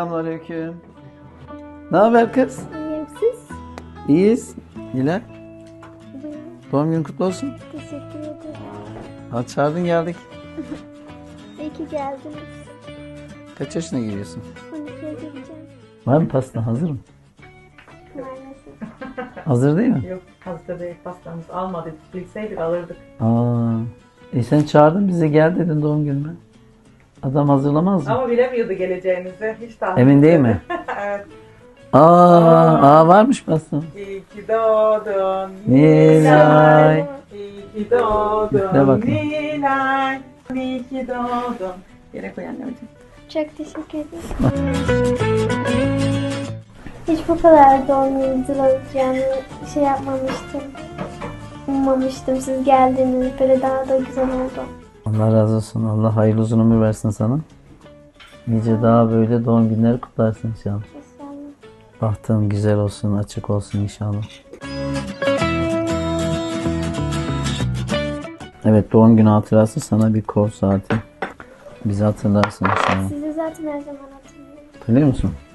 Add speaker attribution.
Speaker 1: Selamünaleyküm. Ne haber kız?
Speaker 2: İyiyim siz?
Speaker 1: İyiyiz. Nilay.
Speaker 2: Buyurun.
Speaker 1: Doğum günün kutlu olsun.
Speaker 2: Teşekkür ederim.
Speaker 1: Ha, çağırdın geldik.
Speaker 2: İyi ki geldiniz.
Speaker 1: Kaç yaşına giriyorsun?
Speaker 2: 12'ye gireceğim.
Speaker 1: Var mı pasta? Hazır mı?
Speaker 2: Maalesef.
Speaker 1: Hazır değil mi?
Speaker 3: Yok, hazır değil, pastamız almadık. Bilseydik alırdık.
Speaker 1: Sen çağırdın bize, gel dedin doğum günüme. Adam hazırlamaz mı?
Speaker 3: Ama bilemiyordu geleceğinizi. Hiç tahmin
Speaker 1: Emin değil
Speaker 3: etmedi.
Speaker 1: mi?
Speaker 3: Evet.
Speaker 1: Varmış pasta.
Speaker 3: İyi ki doğdun
Speaker 1: Nilay.
Speaker 3: İyi ki
Speaker 1: Üfle
Speaker 3: doğdun
Speaker 1: bakayım.
Speaker 3: Nilay. İyi ki doğdun. Yere koy anneciğim.
Speaker 2: Çok teşekkür ederim. Hiç bu kadar doğum günü olacağını şey yapmamıştım. Ummamıştım. Siz geldiniz. Böyle daha da güzel oldu.
Speaker 1: Allah razı olsun. Allah hayırlı uzun ömür versin sana. Nice daha böyle doğum günleri kutlarsın inşallah.
Speaker 2: İnşallah.
Speaker 1: Bahtın güzel olsun, açık olsun inşallah. Evet, doğum günü hatırası sana bir kol saati. Bizi hatırlarsın inşallah.
Speaker 2: Sizi zaten her zaman hatırlıyorum.
Speaker 1: Hatırlıyor musun?